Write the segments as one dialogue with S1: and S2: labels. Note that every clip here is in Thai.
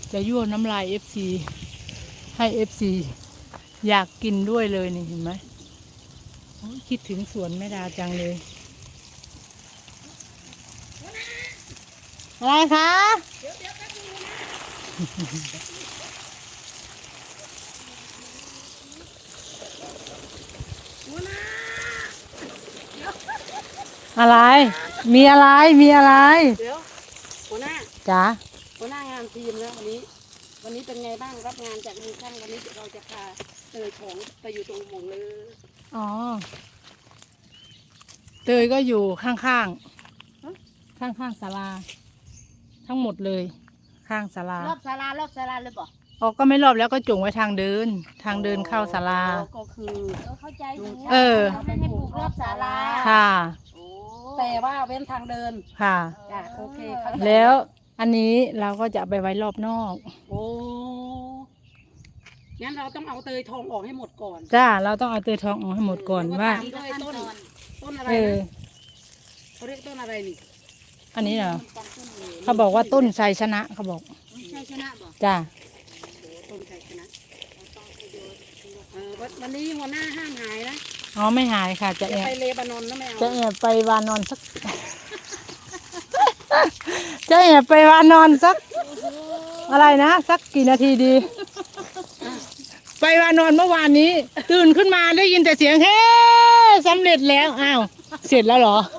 S1: จะยั่วน้ำลายเอฟซีให้เอฟซีอยากกินด้วยเลยนี่เห็นไหมคิดถึงสวนแม่ดาจังเลยอะไรคะอะไรมีอะไรมีอะไร
S2: เดี๋ยวหัวหน้า
S1: จ๋า
S2: หัวหน้างานทีมแล้ววันนี้เป็นไงบ้างรับงานจากลุงช่างวันนี้เราจะพาเตยของไปอยู่ตรงหมองเลย
S1: อ๋อเตยก็อยู่ข้างศาลาทั้งหมดเลยข้างศาลาร
S2: อบศาลเลยป่ะ
S1: ออกก็ไม่รอบแล้วก็จุ่งไว้ทางเดินเข้าศาลา
S2: ก็คือเข้าใจอยู่
S1: เรา
S2: ไม่ให้ปลูกรอบศาลา
S1: ค่ะ
S2: แต่ว่าเว้นทางเดิน
S1: ค่ะ
S2: โอเค
S1: แล้วอันนี้เราก็จะไปไว้รอบนอก
S2: โอ้งั้นเราต้องเอาเตยทองออกให้หมดก่อน
S1: จ้าเราต้องเอาเตยทองออกให้หมดก่อนว่า
S2: ต้นอะไรนะเขาเรียกต้นอะไรนี่
S1: อันนี้เหรอเขาบอกว่าต้นไทรชนะเขาบอก
S2: ไทรชนะบอก
S1: จ้า
S2: ต้นไทรชนะวันนี้หัวหน้าห้ามหายนะ
S1: อ๋อไม่หายค่ะจะแอบ
S2: ไปเลบานอนนะแม่
S1: จะแอบไปวานอนสักจะแอบไปวานอนสักอะไรนะสักกี่นาทีดีไปวานอนเมื่อวานนี้ตื่นขึ้นมาได้ยินแต่เสียงเฮ้สำเร็จแล้วอ้าวเสร็จแล้วเหรอ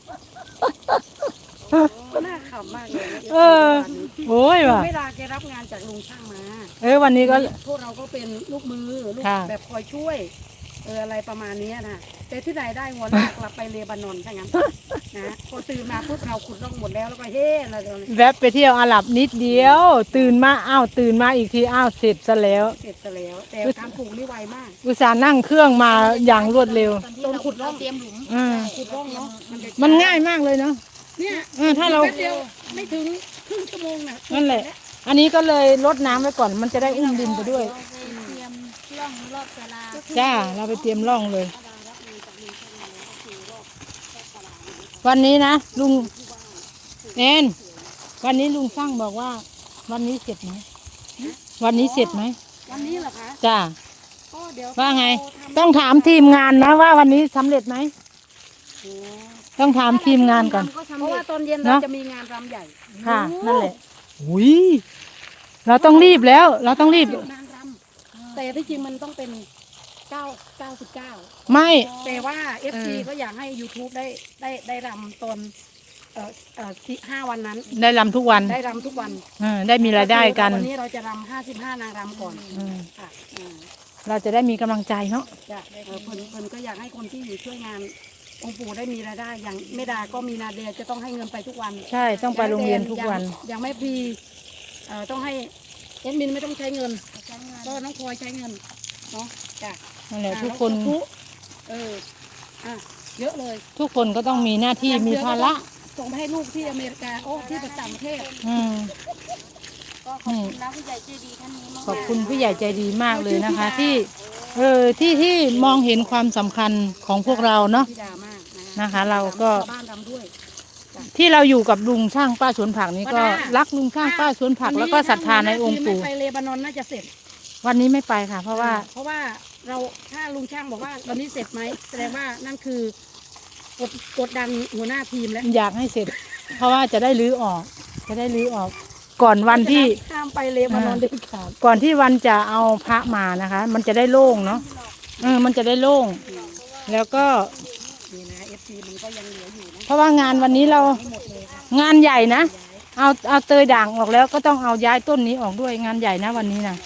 S2: น่าขำมากเลย
S1: โอ้ยว่ะ
S2: เวลาแกรับงานจากลุงช่างมา
S1: วันนี้ก็
S2: พวกเราก็เป็นลูกมือลูกแบบคอยช่วยอะไรประมาณนี้นะแต่ที่ไหนได้หัวหน้ากลับไปเลบานอนถ้างั้นนะพอตื่นมาพวกเราขุดร่องหมดแล้วก็เฮ้อะไร
S1: แวบไปเที่ยวอาหรับนิดเดียวตื่นมาตื่นมาอีกทีเสร็จซะแล้ว
S2: แต่การปลูกนี่ไวมาก
S1: อุตส่าห์นั่งเครื่องมาอย่างรวดเร็ว
S2: ตอนขุดร่อง
S3: เตรียมหลุม
S2: ขุดร่องเนาะ
S1: มันง่ายมากเลยเนาะ
S2: เนี่ย
S1: ถ้าเรา
S2: ไม่ถึงครึ่งชั่วโมงนะ
S1: นั่นแหละอันนี้ก็เลยลดน้ำไว้ก่อนมันจะได้อุ้มดินไปด้วย
S3: เตรียมร่องรอบศาลา
S1: จ้าเราไปเตรียมร่องเลยวันนี้นะลุงวันนี้ลุงช่างบอกว่าวันนี้เสร็จไหมวันนี้เสร็จไหม
S2: วันนี้เหรอคะ
S1: จ้าว่าไงต้องถามทีมงานนะว่าวันนี้สำเร็จไหมต้องถามทีมงานก่อน
S2: เพราะว่าตอนเย็นเราจะมีงานรำใหญ่
S1: ค่ะนั่นแหละอุ้ยเราต้องรีบแล้วเราต้องรีบ
S2: งานรำแต่ที่จริงมันต้องเป็น99
S1: ไม่
S2: แต่ว่า FC ก็อยากให้ YouTube ได้รำตอน5 วันนั้น
S1: ได้รำทุกวัน
S2: ได้รำทุกวัน
S1: ได้มีรายได้กัน
S2: วันนี้เราจะรำ55นางรำก่อนค่ะ
S1: เราจะได้มีกำลังใจเนาะ
S2: เพิ่นก็อยากให้คนที่อยู่ช่วยงานองค์ปู่ได้มีรายได้อย่างแม่ดาก็มีนาเดียจะต้องให้เงินไปทุกวัน
S1: ใช่ต้องไปโรงเรียนทุกวัน
S2: อย่างแม่พีต้องให้เอ็ดมินไม่ต้องใช้เงินก็น้องพลอยใช้เงินเนาะจ้ะ
S1: นั่นแหละทุกคน
S2: เยอะเลย
S1: ทุกคนก็ต้องมีหน้าที่มีภาระ
S2: ส่งไปให้ลูกที่อเมริกาที่ต่างประเทศ
S3: ก็ขอบคุณนะผู้ใหญ่ใจดีท่านนี้มาก
S1: ขอบคุณผู้ใหญ่ใจดีมากเลยนะคะที่มองเห็นความสำคัญของพวกเราเนาะนะคะเราก็ที่เราอยู่กับลุงช่างป้าสวนผักนี้ก็รักลุงช่างป้าสวนผักแล้วก็ศรัทธาในองค์ปู่
S2: ไปเลบานอนน่าจะเสร็จ
S1: วันนี้ไม่ไปค่ะเพราะว่า
S2: เราถ้าลุงช่างบอกว่าวันนี้เสร็จไหมแสดงว่านั่นคือกดดันหัวหน้าทีมแล้ว
S1: อยากให้เสร็จเพราะว่าจะได้รื้อออกก่อนวันที่
S2: ข้ามไปเลบานอนด้วยค่ะ
S1: ก่อนที่วันจะเอาพระมานะคะมันจะได้โล่งเนาะมันจะได้โล่งแล้วก็
S2: นี่นะ FC มันก็ยังเหลืออยู่นะ
S1: เพราะว่างานวันนี้เรางานใหญ่นะเอาเตยด่างออกแล้วก็ต้องเอาย้ายต้นนี้ออกด้วยงานใหญ่นะวันนี้นะ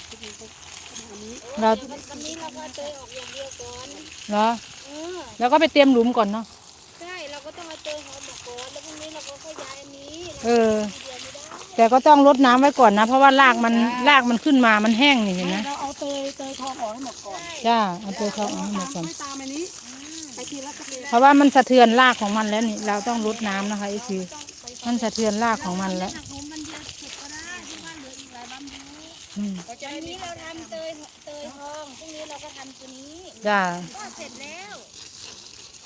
S3: วันนี้เราก็เตยออกอย่างเดียวก่อน
S1: เหรอแล้วก็ไปเตรียมหลุมก่อนเนาะ
S3: ใช่เราก็ต้องเอาเตยหอมออกก่อนแล้วพรุ่งนี้เราก็ย้ายอันนี้
S1: แต่ก็ต้องรดน้ำไว้ก่อนนะเพราะว่ารากมันขึ้นมามันแห้งนี่เห็นไหม
S2: เราเอาเตยทองออกให้หมดก่อน
S1: จ้าเอาเตยทองออกให้หมดก่อน
S2: ตามอันนี้
S1: เพราะว่ามันสะเทือนรากของมันแล้วนี่เราต้องรดน้ำนะคะมันสะเทือนรากของมันแล้ว
S3: วันนี้เราทำเตยทองพรุ่งนี้เราก็ทำตัวนี้
S1: จ้า
S3: ก็เสร็จแล้ว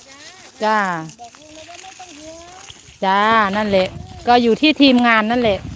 S1: จ้า
S3: บอกลุงเลยว่าไม่ต้องห่วง
S1: จ้านั่นแหละก็อยู่ที่ทีมงานนั่นแหละ